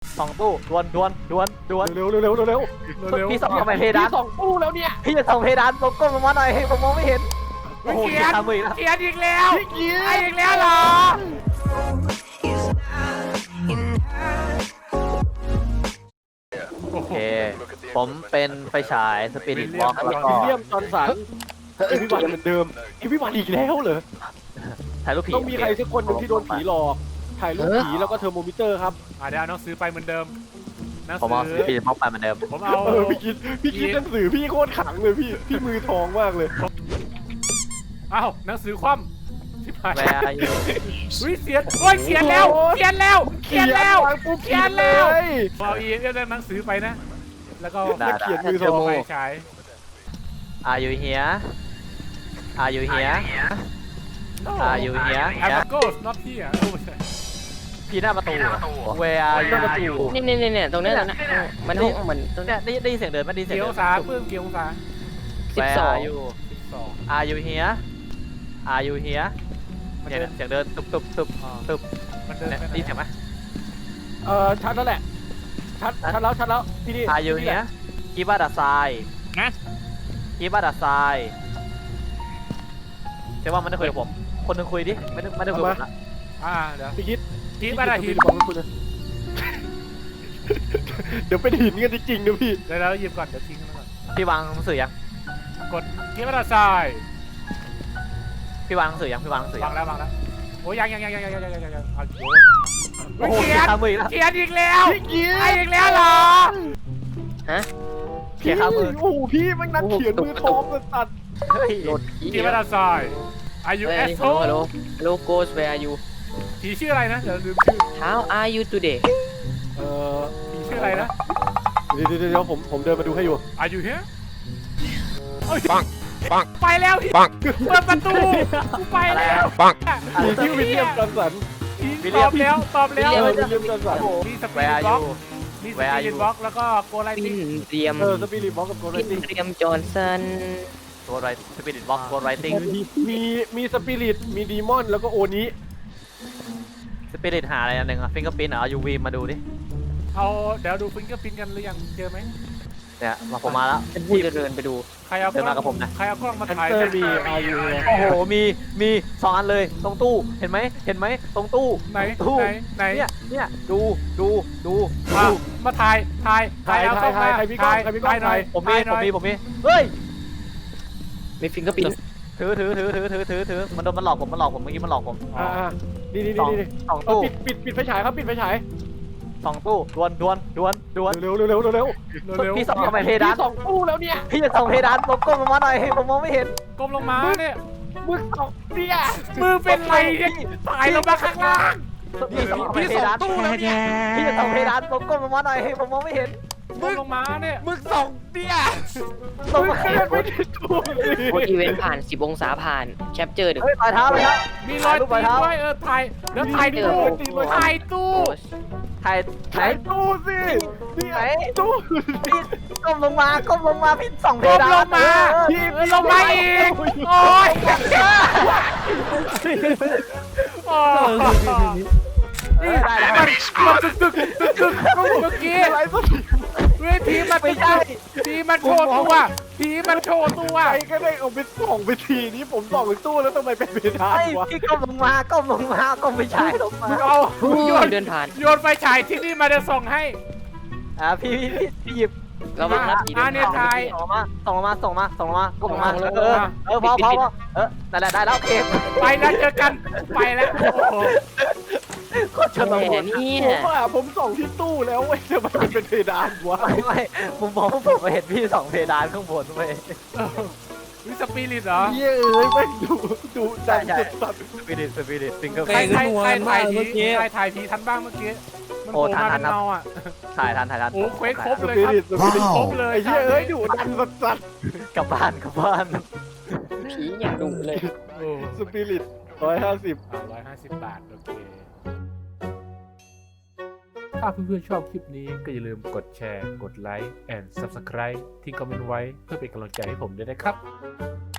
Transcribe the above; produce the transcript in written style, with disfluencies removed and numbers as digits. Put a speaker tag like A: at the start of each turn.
A: 2 ตู้ดวน
B: เร็ว
A: พี่ส่องทำไมเพดาน
B: พี่ส่องตู้แล้วเนี่ย
A: พี่จะส่องเพดานลงก้มลงมาหน่อยผมมองไม่เห็นโอ้โห
C: เขียน
A: ทำมืออีกแล้ว
C: เขียนอีกแล้ว
B: พี่เกีย
C: ไอ้
B: ร์
C: อีกแล้วเหรอ
A: โอเคผมเป็นไฟฉายสปิริตวอล์กแล้วก็
B: วิลเลียมจอห์นสันเอวิวันเหมือนเดิมเอวิวันอีกแล้วเหรอ
A: ถ่ายรูปผี
B: ต้องมีใครสักคนหนึ่งที่โดนผีหลอกถ่ายรูปผีแล้วก็เทอร์โมมิเตอร์ครับ
C: เดี๋ยวเอาหนังสือไปเหมือนเดิมหนัง
A: ผมเอา
C: สื
A: สปิริตวอล์กไปเหมือนเดิม
C: ผมเอา
B: พี่คิดหนังสือพี่โคตรขังเลยพี่มือทองมากเลย
C: เอาหนังสือคว่ำชิบหาย
A: แวร์อยู่
C: อุ้ยเขียนโอ้ยเขียนแล้วเขียนแล้วเขียนแล้วเขียนแล้วเอาอีเรื่องหนังสือไปนะ แล้วก็
A: ได้
B: เขียนมือทอง
C: ไปฉาย
A: Are you here Are you here Are you here
C: แอปโกส not here โอ้ไม่ใช่
A: พี่หน้าประตู Where are you
D: เนี่ยตรงนี้มันห้องมันตรง
A: เนี่
D: นี้
A: ยได้ยินเสียงเดินไม่ได้ยินเสียง
C: เกี่ยว
A: เดิน
C: องศาเพิ่มเกี่ยวองศา
A: Where
D: 12
A: are you
C: 12
A: Are you here Are you here เนี่ยเสียงเดินตุบตุบ
C: มันเดิน
A: เนี่ย
C: ไปไหน
A: ได้ยินเสียงไหม
B: ชัดแล้วแหละชัดแล้วที่นี่
A: Are you here Give us a sign
C: นะ
A: Give us a sign เชื่อว่ามันได้คุยกับผมคนหนึงคุยดิไม่ได้คุยกับผมละ
C: เดี๋ยว
B: พี่คิด
C: กีบอะไรหิน
B: บอกคุณเดี๋ยวเป็นหินกันจริงๆนะพี่
C: เดี๋ยวเราหยิบก่อนเดี๋ยวทิ้งมันก่อน
A: พี่วางหนังสือยัง
C: กดกีบอะไรทราย
A: พี่วางหนังสือยังพี่วางหนังสือยั
C: วาง
A: ง
C: แล้วโอ้ยังเอาโยน
A: โอ้โห
C: เขียน
A: ข้ามืออีกแล้ว
C: เขียนอีกแล้ว
B: พี่เกีย
C: ไอ้อีกแล้วเหรอ
D: ฮะ
A: เขียนข้ามือ
B: โอ้โหพี่มันนักเขียนมือทองสัตว์
A: เฮ้ย
D: โหลด
C: กีบอะไรทรายอายุ
D: เฮ้
C: เอย สโ
D: ฮัลโหล Hello Ghost where are you
C: ผีชื่ออะไรนะเดี๋ยวลืมชื่อ
D: How are you today
C: ผีชื่ออะไรนะ
B: เดี๋ยวผมเดินมาดูให้อยู่
C: อายุเฮียปังไปแล้วเปิดประตูกูไปแล้ว
B: พี่วิลเลียมจอห์นสัน
C: ตอบแล้ว
B: วิลเลียมจอห์นสัน
C: มีสปีดบล็อกมีสปีดบล็อกแล้วก็โกไล
D: ปิ
C: ติ้ง
D: นเตรียม
B: สปิริตบ็อกกับโกล
D: ปิน
B: ติ้ง
D: เตรียมจอห์นสัน
A: ตัวไรสปิริตบ็อกตัวไรติ้ง
B: มีสปิริตมีดีมอนแล้วก็โอนี้
A: สปิริตหาอะไรอันหนึ่งอะฟิงเกอร์ปิ้นเอา UV มาดูดิ
C: เอาเดี๋ยวดูฟิงเกอร์พิ้นกันหรือยังเจอไหม
A: เนี่ยมาผมมาแล้ว
D: ฉันพูดจะเดินไปดู
C: ใครเอาก
A: เดิน
C: ล้
A: มากับผมนะ
C: ใครเอากล้องมา
B: แคน
C: ถ่าย
B: เซอร์มีอายุ
A: โอ้โหมี2 อันเลยตรงตู้เห็นไหมตรงตู้
C: ไหน
A: ตู้
C: ไหน
A: เนี่ยดู
C: มาถ่ายเอากล้องมา
B: ใครมีกล้องใครมีกล้อง
C: หน่อย
A: ผมมี
C: ถ่ายหน่อย
A: เฮ้ย
D: มีฟิงเกอร์ปิ้น
A: ถือมันหลอกผมเมื่อกี้มันหลอกผม
B: นี่
A: สองตู้
B: ปิดไฟฉายครับปิดไฟฉาย
A: 2 ตู้ดวน
B: เร็ว
A: พี่ส่องทำไมเพดาน
B: พี่ส่องตู้แล้วเนี่ย
A: พี่จะส่องเพดานลงก้มลงมาหน่อยผมมองไม่เห็น
C: ก้มลงมาเนี่ย
B: มึงส่องเนี่ย
C: มือเป็นไรเนี่ยถ่ายลงมาข้างล่าง
A: พี่ส่อง
C: พี่
A: เพ
C: ส่ง
A: ดาน
C: ตู้แล้วเนี่ย
A: พี่จะส่องเพดานลงก้มลงมาหน่อยผมมองไม่เห็น
C: ก้มลงมาเนี่ย
B: มึงส่องเนี่ย
A: ส่องมา
B: ขนาดไม่ได้ตู้เลย
D: โอ้อีเวนต์ผ่าน10องศาผ่านแคปเจอร์ดึก
A: เฮ้ยปลายเท้า
C: มีรอยตีนด้วยถ่ายแล้วถ่ายตู้ถ่ายตู้
A: ถ่าย
B: ถ่ายตู้สิเนี่ยตู้
A: พี่ก้มลงมาพี่ส่องเพ
C: ก้ม
A: ดาน
C: ลงมาลงมาอีกโอ้ยโอ้นี่มันตึกเมื่อกี้
B: อะไรสัก
C: เวทีมันไม่ใช่ผีมันโชว์ตัวผีมันโชว์ตัว
B: ใครก็ได้เอาไปส่องไปทีนี้ผมส่องไปตู้แล้วทำไมเป็นเพดาน
A: ไอ้
B: วะ
A: พี่ก้มลงมาก้มไปฉายลงมา
C: เอาโยน
D: เดินผ่าน
C: โยนไฟฉายที่นี่มาจะส่งให้
A: พี่หยิบ
D: เราบังคับผี
C: อ่ะ
D: เดิน
C: เนี่ย
D: ผ่าน
C: ถ่าย
A: ส่งลงมาก้มลงมาพอนั่นแหละได้แล้วโอเค
C: ไปแล้วเจอกันไปแล้วโอ้โห
A: โคตรชน
D: แห
A: บ
D: ม
A: ท
D: เนี่
B: ผม
D: ย
B: ว่าผมส่องที่ตู้แล้วเว้ยทำไมมันเป็นเพดานวะ
A: ไม่ผมมองว่าผมเห็นพี่ส่องเพดานข้างบนเว้ย
C: วิสปิริตเหรอ
B: เย้ยแม่งดูดันสัตว์
A: สปิริตซิงเกิล
C: ใครถ่ายผีทันบ้างเมื่อกี้มันโผล่มาเป็นเงาอ่ะ
A: ถ่ายทัน
C: โอ้เควสครบ
B: ส
C: เลย
B: ปิ
C: ครับ
B: ริตสปิริต
C: ครบเลย
B: ไอ้เหี้ยเอ้ยดูดันสัตว์
A: กลับบ้าน
D: ผีอย่างดุเลย
C: โอ้
B: สปิริต150
C: 150 บาทโอเคถ้าเพื่อนๆชอบคลิปนี้ก็อย่าลืมกดแชร์กดไลค์ and subscribe ที่คอมเมนต์ไว้เพื่อเป็นกำลังใจให้ผมด้วยนะครับ